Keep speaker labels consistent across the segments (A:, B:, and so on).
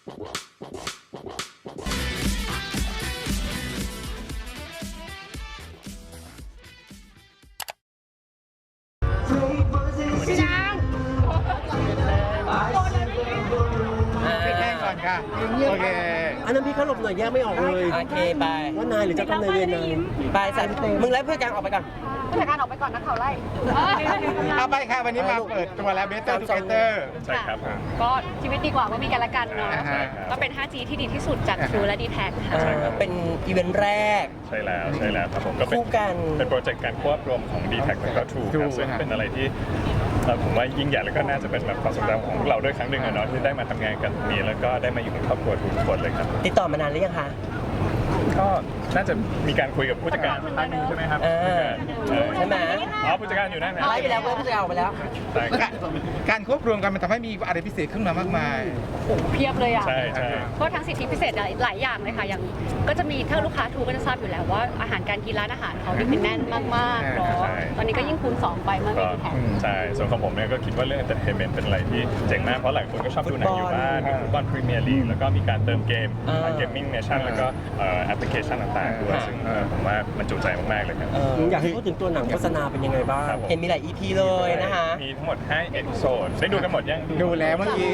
A: พี่นางปิดแห้งก่อนค่ะโอเค
B: อันนั้นพี่เขาหลบหน่อยแยกไม่ออกเลย
C: โอเคไป
B: ว่านายหรือเจ้ากรรมนายเวรนาย
C: ไปใส่มึงไล่เพื่อนกลางออกไปก่อน
D: ผู้จัดการออกไปก่อนนะเขาไล่
A: เอาไปค่ะวันนี้มาเปิดตัวแล้ว Better Together
E: ใช่ครับ
D: ก็ชีวิตดีกว่าก็มีกันและกันเนาะ
A: อ่าฮะ
D: ก็เป็น 5G ที่ดีที่สุดจาก True และ d t แทค่ะ
C: เป็นอีเวนต์แรก
E: ใช่แล้วครับผมก็เป็น
C: คู่กัน
E: เป็นโปรเจกต์การควบรวมของ d t แทแล้วก็ True ครับ
A: True
E: ซึ่ง
A: ฮะ
E: เป็นอะไรที่ผมว่ายิ่งใหญ่แล้วก็น่าจะเป็นแบบความทรงจำของพวกเราด้วยครั้งหนึ่งอะเนาะที่ได้มาทำงานกันตรงนี้แล้วก็ได้มาอยู่ในครอบครัวทุกคนเลยครับ
C: ติดต่อมานานหรือยังคะ
E: ก็น่าจะมีการคุยกับผู้จัดการท่านหนึงใช่ไหมครับ
C: ใช่ไหม
E: อ๋อผู้จัดการอยู่นั่นนะ
C: ไล่ไปแล้วเพื่อนผู้จัดการออกไปแล้ว
E: ใช่ครับ
A: การควบรวมกันมันทำให้มีอะไรพิเศษขึ้นมามากมาย
D: โอ้โหเพียบเลยอ่ะ
E: ใช่
D: ก็ทั้งสิทธิพิเศษหลายอย่างเลยค่ะ อย่างก็จะมีถ้าลูกค้าทูก็จะทราบอยู่แล้วว่าอาหารการกินร้านอาหารเขานี่คือแน่นมากๆเนาะ ตอนนี้ก็ยิ่งคูณ2ไปเมื่อ
E: ก็
D: มีแถม
E: ใช่ส่วนของผมเนี่ยก็คิดว่าเรื่อง entertainment เป็นอะไรที่เจ๋งมากเพราะหลายคนก็ชอบดูหนังอยู่บ้านดูฟุตบอลพรีเมียร์ลีกแล้วก็มีการเติมเกมเกมมิ่งเนชั่นแล้วก็แอปพลิเคชันต่างๆด้วยซึ่งผมว่ามันจุใจมากๆเลยครับ
B: อยากให้พูดถึงตัวหนังโฆษณาเป็นยังไงบ้าง
E: ครับผม
C: เห็นมีหลาย EP เลยนะคะ
E: มีทั้งหมด5เอพิโซดได้ดูกันหมดยัง
A: ดูแล้วเมื่อกี้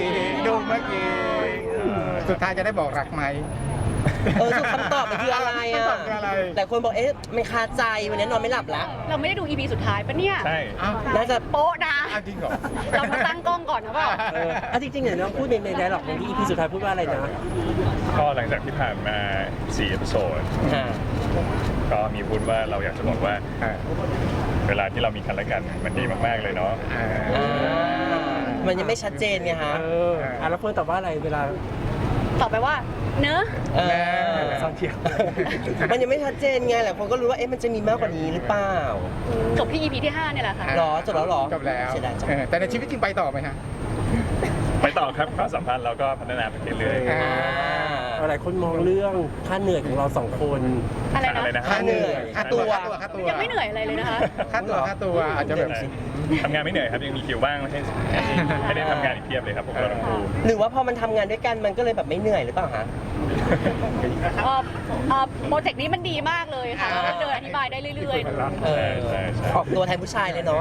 A: สุดท้ายจะได้บอกรักไหม
C: สุดคำตอบมันคืออะไร
A: คำต
C: อ่ะ
A: อบคืออะไร
C: แต่คนบอกไม่คาใจวันนี้นอนไม่หลับละ
D: เราไม่ได้ดู EP สุดท้ายปะเนี่ย
E: ใช่
A: อ้าว
C: น่าจะ
D: โป๊ะนะ
A: อ้าวจริงเหรอ
D: เรามาตั้งกล้องก่อนนะเปล่า
B: จริงๆเนี่ยน้องพูดในไดร็อกของที่ EP สุดท้ายพูดว่าอะไรนะ
E: ก็หลังจากที่ผ่านมา4เอพิโซด
C: อ่า
E: ก็มีพูดว่าเราอยากจะบอกว่าเวลาที่เรามีกันและกันมันดีมากๆเลยเนาะ
C: มันยังไม่ชัดเจนไงฮะ
B: แล้วเพื่อนตอบว่าอะไรเวลา
D: ตอบไปว่าเนอะ
B: ซอนเทีย
C: มันยังไม่ชัดเจนไงหลายคนก็รู้ว่ามันจะมีมากกว่านี้หรือเปล่า
D: จบที่ EP ที่ 5 เนี่ยแหละค่ะ
C: หรอจบแล้วหรอ
A: จบแล้ว
C: เสียดายจัง
A: แต่ในชีวิตจริงไปต่อไหมฮะ
E: ไปต่อครับความสัมพันธ์เราก็พัฒนาไปเรื่อยๆ
B: หลายคนมองเรื่องค่าเหนื่อยของเรา2 คน
D: อะไร
E: อะไร
D: นะ
E: นะ
C: ค่าเหนื่อย
A: ค่าตัว
D: ยังไม่เหนื่อยอะไรเลยนะคะ
A: ค่าตัวอาจจะแบบ
E: ทำงานไม่เหนื่อยครับยังมีคิวว่างให้ได้ทำงานอีกเพียบเลยครับพวกเราทั้งคู่
C: หรือว่าพอมันทำงานด้วยกันมันก็เลยแบบไม่เหนื่อยหรือเปล่าฮะ
D: โปรเจกต์นี้มันดีมากเลยค่ะเดินอธิบายได้เรื่อยๆ
E: ใช่
C: ออกตัวแทนผู้ชายเลยเนาะ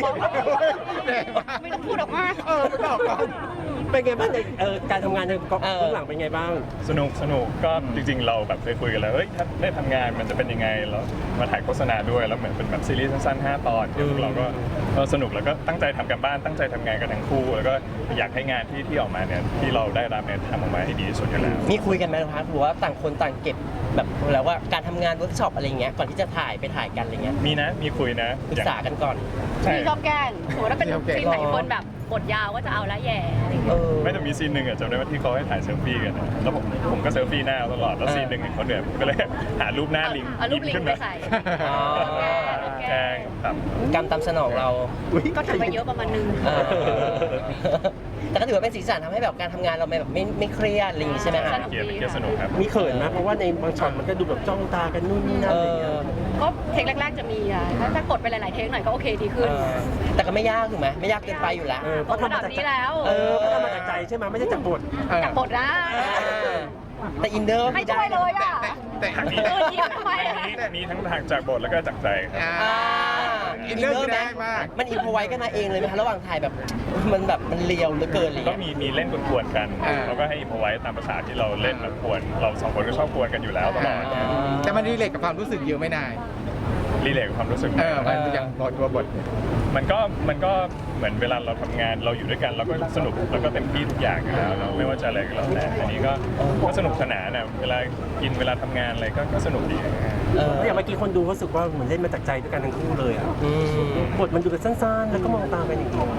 D: ไม่ต้องพูดออกมา
A: ไม่บอกก่อน
B: เป็นไงบ้างในการทำงานในกองเบื้องหลังเป็นไงบ้าง
E: สนุกก็จริงๆเราแบบเคยคุยกันแล้วเฮ้ยถ้าได้ทำงานมันจะเป็นยังไงแล้วมาถ่ายโฆษณาด้วยแล้วเหมือนเป็นแบบซีรีส์สั้นๆ5 ตอนที่พวกเราก็สนุกแล้วก็ตั้งใจทำกันบ้านตั้งใจทำงานกันทั้งคู่แล้วก็อยากให้งานที่ออกมาเนี่ยที่เราได้รับเนี่ยทำออกมาให้ดีที่สุดอยู่แล้ว
C: มีคุยกันไหมคะหรือว่าต่างคนต่างเก็บแบบแล้วว่าการทำงานเวิร์กช็อปอะไรเงี้ยก่อนที่จะถ่ายกันอะไรเงี้ย
E: มีคุยนะ
C: ปรึกษากันก่อน
E: ใช่
D: พี่ชอบแกล้งสมมติว่าเป็นซีนไหนคนแบบบทยาวก็จะเอาละแย่อะไรอย่างเงี้ย
E: ไม่แต่มีซีนหนึ่งอะจำได้ว่าที่เขาให้ถ่ายเซลฟี่กันนะแล้วผมก็เซลฟี่หน้าตลอดแล้วซีนหนึ่งเขาเหนื่อยผมก็เลยหารูปหน้าลิง
D: เอารูปลิง
E: ขึ้น
D: ไป
E: มา
D: ใส่
E: แกล้งครับ
C: กรรมตามสนองเรา
D: ก็ทำไปเยอะประมาณนึง
C: เออแต่ก็ถือว่าเป็นสีสันทำให้แบบการทำงานเราแบบไม่เครียดอะไรอย่างงี้ใช่ไหมฮะ
E: เกียร์สนุกครับ
B: มีเขินไหมเพราะว่าในบางช็อตมันก็ดูแบบจ้องตากันนู่นนี่นั่นอะไรอย่างเงี้ย
D: ก็เทคแรกๆจะมีอ่ะถ้ากดไปหลายๆเทคหน่อยก็โอเคดีขึ้น
C: แต่ก็ไม่ยากถูกไหมไม่ยากเกินไปอยู่แล้ว
B: เพราะทำมาจาก
D: นี้แล้ว
B: เพราะทำมาจากใจใช่ไหมไม่ใช่จากบท
D: จากบทนะ
C: แต่อินเดอร์
D: ไม่ช่วยเลยอ่ะ
A: แต่
E: มี
D: ยิ้มทำไมอะ
E: มีทั้งทางจากบทแล้วก็จากใจครับ
A: อินเนอร์คือได้มาก
C: มันอินพอไว้กันมาเองเลยไหมคะระหว่างถ่ายแบบมันเลียวเหลือเกินเลย
E: ก็มีเล่นกวนๆกันแล้วก็ให้อิมพอไว้ตามภาษาที่เราเล่นแบบกวนเราสองคนก็ชอบกวนกันอยู่แล้วตลอด
A: แต่มันรีเลทกับความรู้สึกเยอะไม่นาย
E: รีเลทกับความรู้สึก
A: มันอย่างตัวบท
E: มันก็เหมือนเวลาเราทำงานเราอยู่ด้วยกันเราก็สนุกแล้วก็เต็มที่ทุกอย่างอยู่แล้วเนาะไม่ว่าจะอะไรก็แล้วแต่อันนี้ก็สนุกสนานนะเวลากินเวลาทำงานอะไรก็สนุกดี
B: อย่างเมื่อกี้คนดูรู้สึกว่าเหมือนเล่นมาจากใจด้วยกันทั้งคู่เลยอ่ะบทมันดูแบบสั้นๆ แล้วก็มองตากันอย่างเดียว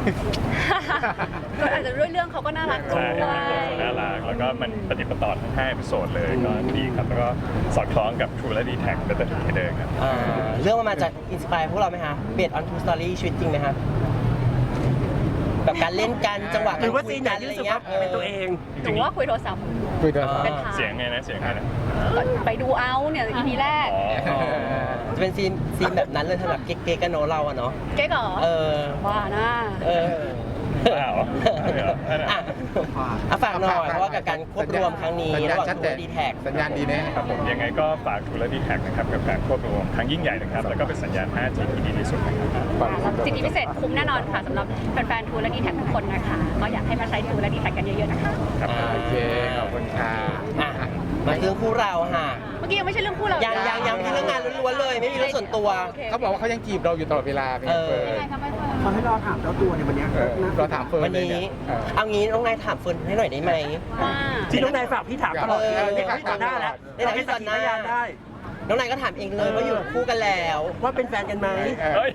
D: ก็อาจจะด้วยเรื่องเขาก็น่ารัก
E: ใช่
D: ด้วย
E: น่ารักแล้วก็มันปฏิปต่อทั้ง5เอพิโซดเลยก็ดีครับแล้วก็สอดคล้องกับ True และ d t แท Better Together ครับ
C: เรื่องมันมาจากอินสปายพวกเราไหมคะเบสออนทูสตอรี่ชีวิตจริงไหมคะแบบการเล่นกันจังหวะ
B: หรือว่าซีนไหน
C: กัน
B: ที่
C: อะไร
B: รู้สึก
C: เงี้
B: ว่าย เป็นตัวเอง
D: หรือว่าคุยโทรศัพท์
A: คุยตัว
D: เป็นทาง
E: เสียงไงนะ
D: ไปดูเอาเนี่ย EP แรก
C: จะเป็นซีนแบบนั้นเลยทำแบบเก๊กๆกันเนาะเราอะเนาะ
D: เก๊กเหรอ
C: เออ
D: ว่านะ
C: เออ
E: อ้าวไม่เหรอ
C: อ่ะฝากหน่อยเพราะว่ากับการควบรวมครั้งนี้ระหว่างทูและดีแท็ก
A: สัญญาณดีแน่
E: ครับผมยังไงก็ฝากทูและดีแท็กนะครับกับการควบรวมครั้งยิ่งใหญ่นะครับแล้วก็เป็นสัญญาณ 5G ที่ดีที่สุดนะครับ
D: แล้วสิทธิพิเศษคุ้มแน่นอนค่ะสำหรับแฟนๆทูและดีแท็กทุกคนนะคะก็อยากให้มาใช้ทูและดีแท็กกันเยอะๆนะคะ
E: ครับ
A: โอเค ขอบคุณค่ะ
C: อ่ะมาเรื่องคู่เราค่ะ
D: เมื่อกี้ยังไม่ใช่เรื่องคู่เรา
C: ยังที่เรื่องงานล้วนๆเลย ไม่มีเรื่องส่วนตัว
D: โอเค
A: เขาบอกว่าเขายังจีบเราอยู่ตลอดเวลาเป็นไงเฟิร์น
F: เขาให้รอถามเจ้าตัวในวันเนี้ย
A: เราถามเฟิร์
C: วัน น
A: เลย
C: นี้
A: เนี่ย
C: เอางี้น้องนายถามเฟิร์นให้หน่อยได้ไหม
D: ว่า
B: ที่น้องนายฝากพี่ถามตลอด
C: เออ
B: นี่พี่ต่อหน้าแล้ว
C: ได้แต่พี่ต่อหน้า
B: พยานได้
C: น้องนายก็ถามเองเลยว่าอยู่คู่กันแล้ว
B: ว่าเป็นแฟนกันไหม
E: เฮ้ย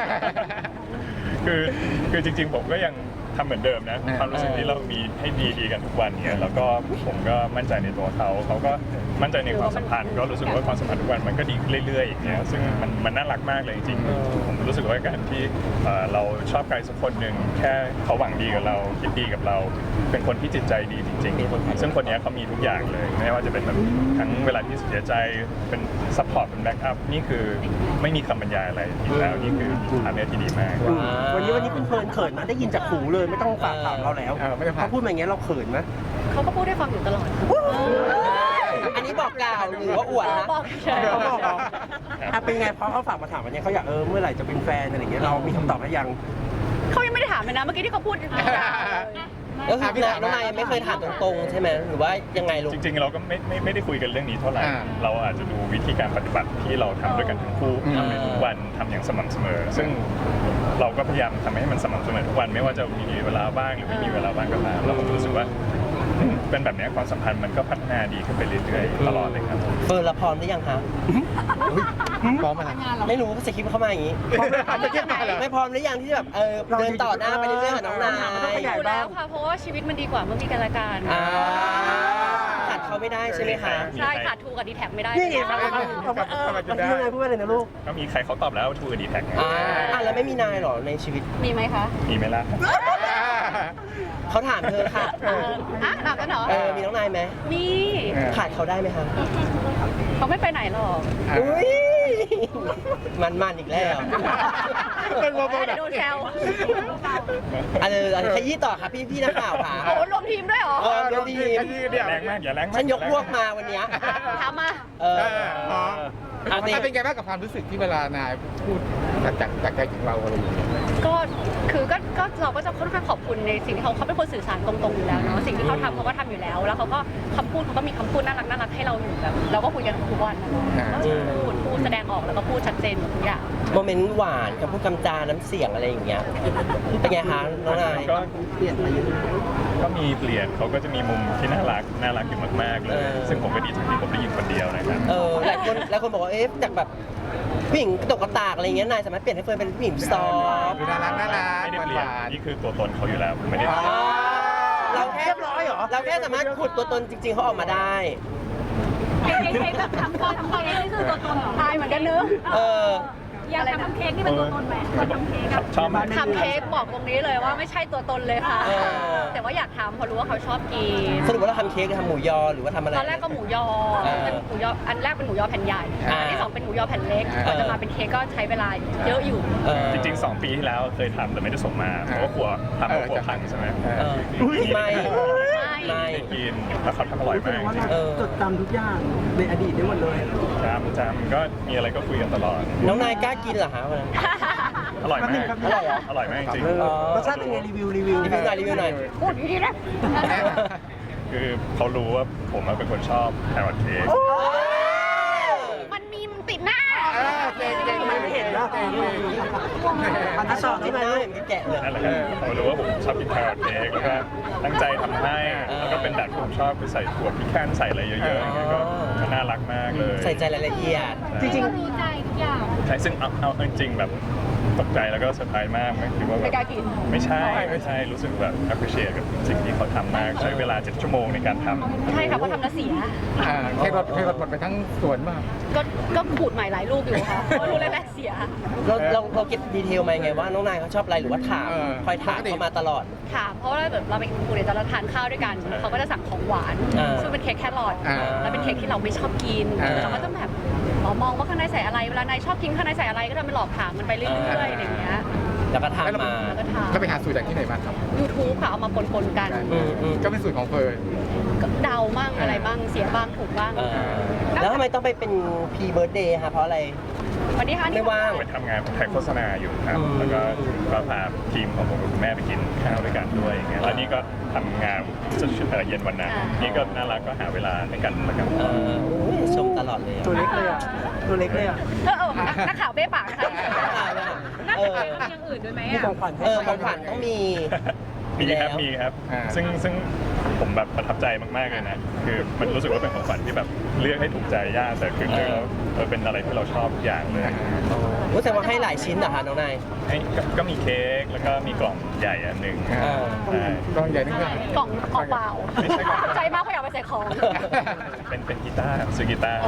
E: คือจริงๆผมก็ยังทำเหมือนเดิมนะความรู้สึกที่เรามีให้ดีกันทุกวันเนี่ยแล้วก็ผมก็มั่นใจในตัวเขาก็มั่นใจในความสัมพันธ์ก็รู้สึกว่าความสัมพันธ์ทุกวันมันก็ดีขึ้นเรื่อยๆอย่างเงี้ยซึ่งมันน่ารักมากเลยจริงๆผมรู้สึกว่าการที่เราชอบใครสักคนหนึ่งแค่เขาหวังดีกับเราคิดดีกับเรา เป็นคนที่จิตใจดีจริงๆซึ่งคนนี้เขามีทุกอย่างเลยไม่ว่าจะเป็นแบบทั้งเวลาที่เสียใจเป็นซัพพอร์ตเป็นแบ็กอัพนี่คือไม่มีคำบรรยายอะไรอีกแล้วนี่คือทางเลือกที่ดีมาก
B: วันนี้คุณเฟิร์นเขินมาได้ยินจากหูเลยไม่ต้องฝากถามเราแล้ว
A: ไม่ต้องฝาก
B: เขาพูดมาอย่างเงี้ยเราเขินไหม
D: เขาก็พูดให้ฟังอยู่ตลอด
C: อันนี้บอกกล่าวหรือว่าอวดนะ
D: บอกเฉย
B: เขาบอกเหรออ่ะเป็นไงเพราะเขาฝากมาถามวันนี้เขาอยากเมื่อไหร่จะเป็นแฟนอะไรอย่างเงี้ยเรามีคำตอบหรือยัง
D: เขายังไม่ได้ถามเลยนะเมื่อกี้ที่เขาพูดยาวเลย
C: ก็คือน้องนายไม่เคยถามตรงๆใช่ไหมหรือว่ายังไงลูก
E: จริงๆเราก็ไม่ได้คุยกันเรื่องนี้เท่าไหร่
A: อ่า
E: เราอาจจะดูวิธีการปฏิบัติที่เราทำด้วยกันทั้งคู่ทำในทุกวันทำอย่างสม่ำเสมอ ซึ่งเราก็พยายามทำให้มันสม่ำเสมอทุกวันไม่ว่าจะมีเวลาบ้างหรือไม่มีเวลาบ้างก็ตามเราก็รู้สึกว่าเป็นแบบนี้ความสัมพันธ์มันก็พัฒนาดีขึ้นไปเรื่อยๆตลอดเลยครับ
C: เฟิร์นละพร้อมหรือยังคะ
A: พร้อมอะไร
C: ไม่รู้สคริปต์เข้ามาอย่างนี้
A: จะเทียบมาเหรอ
C: ไม่พร้อมหรือยังที่แบบเดินต่อหน้าไปเรื่อยๆกับน้องนาย
D: อยู่แล้วค่ะ เพราะว่าชีวิตมันดีกว่าเมื่อมีกันและกัน
C: ขาดเขาไม่ได้ใช่ไหมคะ
D: ใช่ขาดทูกับดีแท็กไม่ได้
B: นี่ไงฟังฟังน้องนายพูดว่าอะไรนะลูก
E: ก็มีใครเขาตอบแล้วทูดีแท็ก
C: แล้วไม่มีนายหรอในชีวิต
D: มีไหมคะ
E: มีไหมล่ะ
C: เขาถามเธอค่ะ
D: ถามกันเหรอ
C: มีน้องนายไหม
D: มี
C: ขาดเขาได้ไหมคะ
D: เขาไม่ไปไหนหรอก
C: อุ้ยมันอีกแล้ว
A: เป็นวง
D: เดี๋ยวโดนแซว
C: ขยี้ต่อค่ะพี่นักข่าวค่ะ
D: โอ้รวมทีมด้วยเหรอ
C: เดี๋ยวดี
E: แรงมากอย่าแรงมาก
C: ฉันยกพวกมาวันเนี้ย
D: ถามมา
A: มันเป็นไงบ้างกับความรู้สึกที่เวลานายพูดจากใจถึงเราอะไรอย่างเงี้ย
D: ก็คือก็เราก็จะค่อนข้างขอบคุณในสิ่งที่เขาเป็นคนสื่อสารตรงๆอยู่แล้วเนาะสิ่งที่เขาทำเขาก็ทำอยู่แล้ว แล้วเขาก็คำพูดเขาก็มีคำพูดน่ารักให้เราอยู่แบบเราก็คุยกันทุกวันนะก็พูดแสดงออกแล้วก็พูดชัดเจนหมดทุกอย่าง
C: โมเมนต์หวานกับพูดคำจาน้ำเสียงอะไรอย่างเงี้ยเป็นไงคะน้องนาย
E: ก็ก็มีเปลี่ยนเขาก็จะมีมุมที่น่ารักอยู่มากๆเลย ซึ่งผมก็ดีใจที่ผมได้ยินคนเดียวนะครับ
C: หลายคนบอกว่าจากแบบผู้หญิงกระตกกระตากอะไรเงี้ยนายสามารถเปลี่ยนให้เฟิร์นเป็นผู้หญิงซอฟต์
A: น่ารัก
E: ไม่ได้เปลี่ยนนี่คือตัวตนเขาอยู่แล้วผมไม่ได้
C: เราแค่
B: เรียบร้อยเหรอ
C: เราแค่สามารถขุดตัวตนจริงๆเขาออกมาได้
D: แบบทำก่อนนี่คือตัวตนตายเหมือนกันเนื้อ อยากทำเค้กนี่เป็นตัวตนไหมทำเค้ก
E: ชอบ
D: ทำเค้กบอกตรงนี้เลยว่าไม่ใช่ตัวตนเลยค่ะ แต่ว่าอยากทำเพราะรู้ว่าเขาชอบกิน
C: สรุปว่าเราทำเค้กหรือทำหมูยอหรือว่าทำอะไร
D: ตอนแรกก็หมูยอเป็นหมูยออันแรกเป็นหมูยอแผ่นใหญ่อันที่สองเป็นหมูยอแผ่นเล็กกว่าจะมาเป็นเค้กก็ใช้เวลาเยอะอยู่
E: จริงๆ2 ปีที่แล้วเคยทำแต่ไม่ได้ส่งมาเพราะว่ากลัวทำแล้วกลัวพังใช่ไหม
C: ไม่
E: ไม่กินแต่เขาทำอร่อยมากจริง
F: จดจำทุกอย่างในอดีตได้หมดเลย
E: จำก็มีอะไรก็คุยกันตลอด
C: น้องนายกล้ากินเหรอคะวันนั้น
E: อร่อยมาก
C: อร่อยเหรอ
E: อร่อยมากจริง
B: รสชาติเป็นไงรีวิว
C: รีวิวหน่อย
D: พูดดีๆนะ
E: คือเขารู้ว่าผมเป็นคนชอบแครอทเค้ก
D: มันมีมันติดหน้า
A: เก่ง
B: ไม่เห็นนะ
C: อันที่สองที่ได้แกะเลย
E: นั่นแหละครับเขารู้ว่าผมชอบกินแครอทเค้กแล้วก็ตั้งใจทำให้แล้วก็เป็นแบบที่ผมชอบคือใส่ถั่วพิแคนใส่อะไรเยอะๆอย่างเงี้ยก็น่ารักมากเลย
C: ใส่ใจรายละเอียด
B: จริง
D: รู้ใจทุกอย่าง
E: ใช่ซึ่งเอาจริงๆแบบตกใจแล้วก็เซอร์ไพรส์มากไม่คิดว่าแบ
D: ไม่
E: บ
D: กล้ากิน
E: ไม่ใช่รู้สึกแบบ appreciate กับสิ่งที่เขาทำมากใช้เวลา7 ชั่วโมงในการทำ
D: ใช่ค่ะเพราะทำแล้วเสีย
A: แค่รถหมดไปทั้งสวนมาก
D: ก็ขูดใหม่หลายรูปอยู่ค่ะเพราะรู้แรกๆเสีย
C: เราเก็บดีเทลมาไงว่าน้องนายเขาชอบอะไรหรือว่าถามคอยถามเขามาตลอด
D: ถามเพราะว่าแบบเราไปกินปูเนี่ยจะเราทานข้าวด้วยกันเขาก็จะสั่งของหวานซึ่งเป็นเค้กแครอทแล้วเป็นเค้กที่เราไม่ชอบกินเราก็จะแบบมองว่าข้างในใส่อะไรเวลานายชอบกินข้างในใส่อะไรก็ทำเป็นหลอกถามมันไปเรื่อยๆอย่างเงี้ย
C: แล้วก็ทำมา
D: แล้วก็ทำ
A: ก็ไปหาสูตรจากที่ไหนมาครับ
D: YouTube ค่ะเอามาปนๆกัน
A: ก็เป็นสูตรของเฟิร์น
D: ก็เดาบ้างอะไรบ้างเสียบ้างถูกบ้าง
C: แล้วทำไมต้องไปเป็นพรีเบิร์ดเดย์คะเพราะอะไร
D: วันนี้ค่ะ
C: ไม่ว่าง
E: ไปทำงานถ่ายโฆษณาอยู่ครับ แล้วก็พาทีมของผมกับคุณแม่ไปกินข้าวด้วยกันด้วยอย่างเงี้ยแล้วนี่ก็ทำงานจนเย็นวันนั้นนี่ก็น่ารักก็หาเวลาให้กันแล้วกัน
C: ชมตลอดเลยอะ
F: ตัวเล็กเลยอ่ะ ตัวเล็กเลยอ่ะ
D: นักข่าวเบ้ปากนะคะน่าจะมีอย่างอื่นด้วยไหม
B: มี
D: อ่ะ
B: ของขวัญให้
C: ของขวัญต้องมี
E: มีครับซึ่งผมแบบประทับใจมากๆเลยนะคือมันรู้สึกว่าเป็นของขวัญที่แบบเลือกให้ถูกใจยากแต่คือเลือกแล้วเป็นอะไรที่เราชอบทุกอย่างเลย
C: รู้สึกว่าให้หลายชิ้นเหรอคะน้องนาย
E: ก็มีเค้กแล้วก็มีกล่องใหญ่อันหนึ่ง ใช่
A: กองใหญ่นี่คือก
D: ล่องเปล่าใจมากเขาอยากไปใส่ของ
E: เป็นกีตาร์ซื้อกีตาร์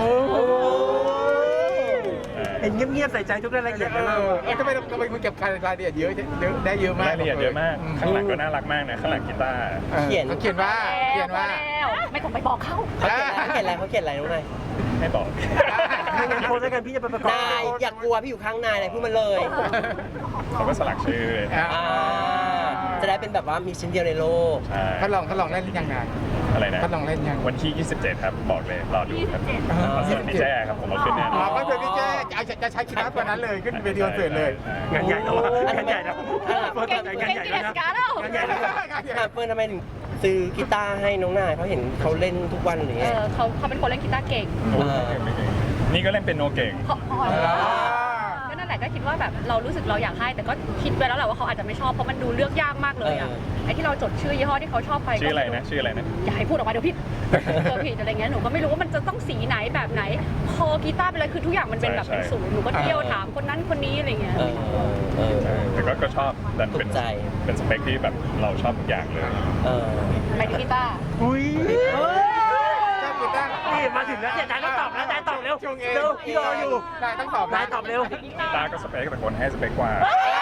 B: เห็นเงียบๆใส่ใจทุกรายละเอียดเลยนะ
A: ทำไมคุณเก็บรายละเอียดเยอะได้เยอะมาก
E: รายละเอียดเยอะมาก ข้างหลังก็น่ารักมากนะ ข้างหลังกีตาร์
A: เขาเขียนว่า
D: ไม่ต้องไปบอกเขา
C: เขาเขียนอะไรน้องนาย
E: ให้บอก
B: ถ้างั้นโพสต์ให้กันพี่จะไปประกอบ
C: นายอย่ากลัวพี่อยู่ข้างนายเลยพูดมาเลย
E: เขาก็สลักชื่อเลย
C: จะได้เป็นแบบว่ามีชิ้นเดียวในโลก
E: ใช่
A: เขาลองเล่นหรือยังไง
E: อะไรนะ
A: เขาลองเล่นยัง
E: วันที่ 27 ครับ บอกเลย รอดูครับคอนเสิร์ตพี่แจ้ครับ ผมเอาขึ้นแน่น
A: อ๋
E: อ
A: อน คอนเสิร์ตพี่แจ้จะใช้กีตาร์ตัวนั้นเลยขึ้นเวทีคอนเสิร์ตเลย
B: งานใหญ่แล้วงานใหญ่แล้ว
D: เก่งกินสกาแล้ว
B: งานใหญ่แล้ว
C: เฟิร์นทำไมถึงซื้อกีตาร์ให้น้องนายเพราะเห็นเขาเล่นทุกวันหรือไง
D: เขาเป็นคนเล่นกีตาร์เก่ง
E: นี่ก็เล่นเป็นโนเก่ง
D: ก็นั่นแหละก็คิดว่าแบบเรารู้สึกเราอยากให้แต่ก็คิดไปแล้วแหละว่าเขาอาจจะไม่ชอบเพราะมันดูเลือกยากมากเลยอ่ะไอ้ที่เราจดชื่อยี่ห้อที่เขาชอบไป
E: ชื่ออะไรนะ
D: อย่าให้พูดออกมาเดี๋ยวผิดผิดอะไรเงี้ยหนูก็ไม่รู้ว่ามันจะต้องสีไหนแบบไหนคอกีตาร์เป็นอะไรคือทุกอย่างมันเป็นแบบเป็นศูนย์หนูก็เที่ยวถามคนนั้นคนนี้อะไรเงี้ย
E: แต่ก็ชอบดันเป็น
C: ถูกใจ
E: เป็นสเปคที่แบบเราชอบทุกอย่างเลย
D: ไปที่กีตาร์
B: อุ้ย
A: ชอบกีตาร์
B: นี่มาถึงแล้วเนี่ยนายต้องตอบแล้วนายตอบเร็ว
A: ชงเอง
B: เร็วพี่รออยู่
A: นายต้องตอบ
B: นายตอบเร็ว
E: ตาก็สเปคแต่คนให้สเปคกว่า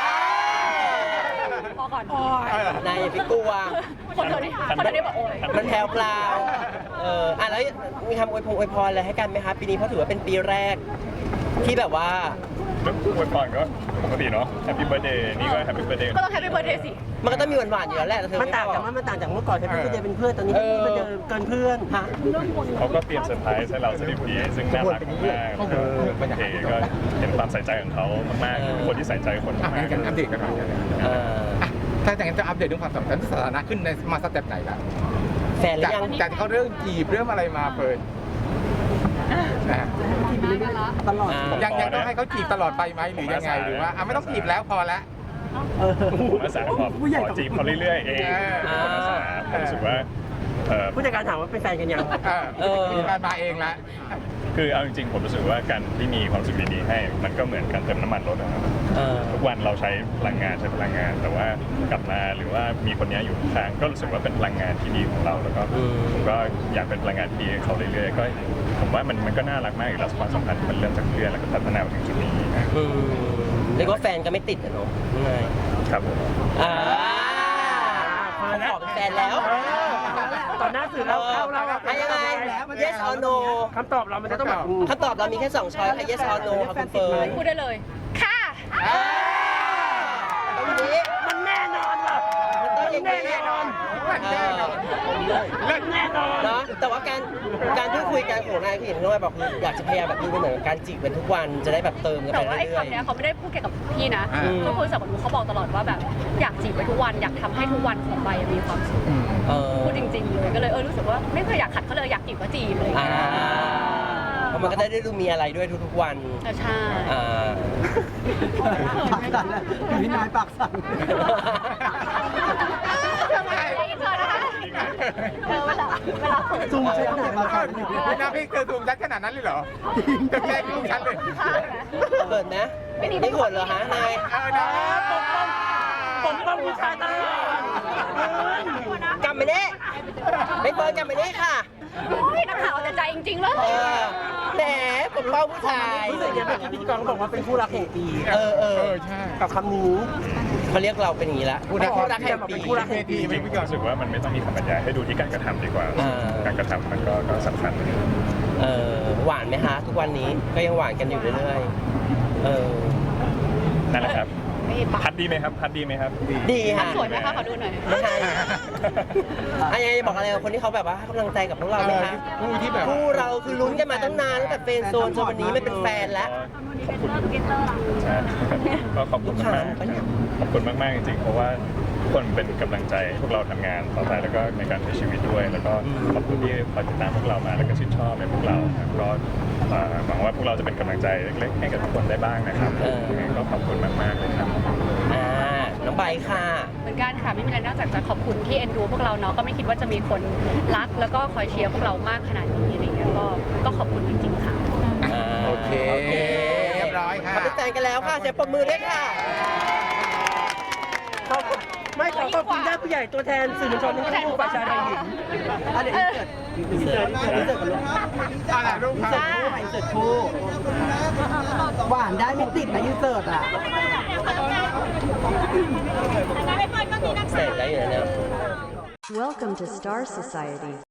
D: พอก่อน
C: นายอย่าไปกลัว
D: คนเดียวนี่บอกโอ้ย
C: มันแพรวพราวแล้วมีคำอวยพรอะไรให้กันไหมคะปีนี้เพราะถือว่าเป็นปีแรก ที่แบบว่า
E: อวยพรก็ปกติเนาะ Happy Birthday นี่ก็ Happy Birthday
D: ก็ต้องแฮปปี้เบิร์ดเดย์สิ
C: มันก็ต้องมีหวานๆอยู่แล้วแหละแต่เธอ
B: มันต่างจากเมื่อก่อนที่พี่เจเป็นเพื่อนตอนนี้พี่เป็นเกินเพื่อน
C: ฮะ
E: เขาก็เตรียมเซอร์ไพรส์ให้เราสนิทดีซึ่งน่ารักมากๆก็ก็เห็นความใส่ใจของเขามากๆคนที่ใส่ใจคนมาก
A: กันอัปเดตกันหน่อยถ้าอย่างนั้นจะอัปเดตเรื่องความสัมพันธ์สถานะขึ้นในมาสเต็ปไหนล่ะ
C: แฟนหรือยัง
A: จากที่เขาเริ่มจีบเริ่มอะไรมาเฟิร์นนะ
F: ตลอด
A: ยังต้องให้เขาจีบตลอดไปไหมหรือยังไงหรือว่าไม่ต้องจีบแล้วพอแล้ว
E: ผมอาสาขอจีบเขาเรื่อยๆเองผมอาสาผมรู้สึกว่า
B: ผู้จัดการถามว่าเป็นแฟนกันยัง
A: มีการมาเองละ
E: คือเอาจริงๆผมรู้สึกว่าการที่มีความสุขดีๆให้มันก็เหมือนการเติมน้ำมันรถนะครับทุกวันเราใช้พลังงานแต่ว่ากลับมาหรือว่ามีคนนี้อยู่ข้างก็รู้สึกว่าเป็นพลังงานที่ดีของเราแล้วก็ผมก็อยากเป็นพลังงานที่ดีให้เขาเรื่อยๆก็ผมว่ามันก็น่ารักมากอีกแล้วความสัมพันธ์มันเริ่มจากเพื่อนแล้วก็พัฒนามาถึงจุดนี้
C: เรียกว่าแฟนก็ไม่ติดอะเนาะง่าย
E: ครับผม
C: เขาขอเป็นแฟนแล้ว
B: ตอนหน้าสื่อเราเข้าเรา
C: ยังไง yes or no
B: คำตอบเรามันจะต้องแบบ
C: คำตอบเรามีแค่2ช้อยค่ะ yes or no ค่ะคุณเฟิร์น
D: พูดได้เลย ค่ะ
C: ตรงนี้
B: มันแน่นอนว่ะ
C: มันต้องอย่างนี้
B: แน่นอน แน่นอน
C: เนาะแต่ว่าการพูดคุยกันของนายคืออย่างที่น้อยบอกคืออยากจะพยายามแบบดูเป็นเหมือนการจีบกันทุกวันจะได้แบบเติมกัน
D: แต่
C: ไป
D: ว่าไอ้
C: เรื่อย
D: คำเนี้ยเขาไม่ได้พูดแค่กับพี่นะเขาคุยกับหนูเขาบอกตลอดว่าแบบอยากจีบไปทุกวันอยากทำให้ทุกวันของใบมีความสุขพูดจริงๆเลยก็เลยรู้สึกว่าไม่เคยอยากขัดเขาเลยอยากจีบก็จีบเลย
C: เพราะมันก็ได้ดูมีอะไรด้วยทุกๆวัน
D: ใช่
F: ปากสั่นเลยพี่นายปากสั่น
D: ทำไมอินเตอร์นะคะเวลา
F: ซูมเช็คหน่อยปากสั่นเนี่ย
A: พี่น้าพี่เธอซูมชัดขนาดนั้นเลยเหรอจะแก้ลูกฉันเลย
C: เขินนะไม่เขินเหรอฮะนาย
A: นะ
B: ผมต้องผู้ชายตลอด
C: กลับมาเนี่ยไม่เฟิร์นกลับมาเนี่ยค่ะ
D: โอ้ยนักข่าวแต่ใจจริงๆเลย
C: แหมผมเป้าผู้ชาย
B: รู้สึกยังไงเมื่อกี้พิธีกรเขาบอกว่าเป็นคู่รักแห่งปี
A: ใช่
B: กับคำนี้
C: เขาเรียกเราเป็นอย่างนี้ละคู่รักแห่งปี
B: คู่รักแห่งปี
E: จริงๆรู้สึกว่ามันไม่ต้องมีคำบรรยายให้ดูที่การกระทำดีกว่า การกระทำมันก็สำคัญ
C: หวานไหมฮะทุกวันนี้ก็ยังหวานกันอยู่เรื่อยๆ
E: นั่นแหละครับ
D: ไม่ปะ
E: พัดดีไหมครับพัดดีไหมครับ
C: ดีค่ะ
D: สวยไหมคะขอดูหน่อย
C: ไม่ใช่อันนี้บอกอะไรกับคนที่เขาแบบว่าให้กำลังใจกับพวกเราไหมคะ
A: คู่ที่แบบ
C: คู่เราคือลุ้นกันมาตั้งนานตั้งแต่เฟรนด์โซนจนวันนี้ไม่เป็นแฟนแล้ว
E: ขอบคุณใช่ก็ขอบคุณมากขอบคุณมากๆจริงๆเพราะว่าทุกคนเป็นกำลังใจให้พวกเราทำงานต่อไปแล้วก็ในการใช้ชีวิตด้วย แล้วก็ขอบคุณที่คอยติดตามพวกเรามาแล้วก็ชื่นชอบในพวกเราครับก็หวังว่าพวกเราจะเป็นกำลังใจเล็กๆให้กับทุกคนได้บ้างนะครับยังไงก็ขอบคุณมากๆเลยครับ
C: น้องใบค่ะ
D: เหมือนกันค่ะไม่มีอะไรนอกจากจะขอบคุณที่เอ็นดูพวกเราเนาะก็ไม่คิดว่าจะมีคนรักแล้วก็คอยเชียร์พวกเรามากขนาดนี้อะไรเงี้ยก็ขอบคุณจริงๆค่ะ
A: โอเคเรียบร้อยค่ะ
C: เขาเป็นแฟนกันแล้วค่ะเสียงปรบมือด้วยค่ะ
B: ไม่ขอขอบคุณญาติผู้ใหญ่ตัวแทนสื่อมวลชนทั้งคู่ฝ่ายชายฝ่ายหญิง
F: เดี๋ยวอินเสิร์ตกันลูก
A: อะไรรูป
F: อินเสิร์ตคู่อินเสิร์ตคู่หวานได้ไม่ติดนะอินเสิร์ตอ่ะ
C: เสร็จแล้วอยู่แล้วเนี่ย
G: Welcome to Star Society.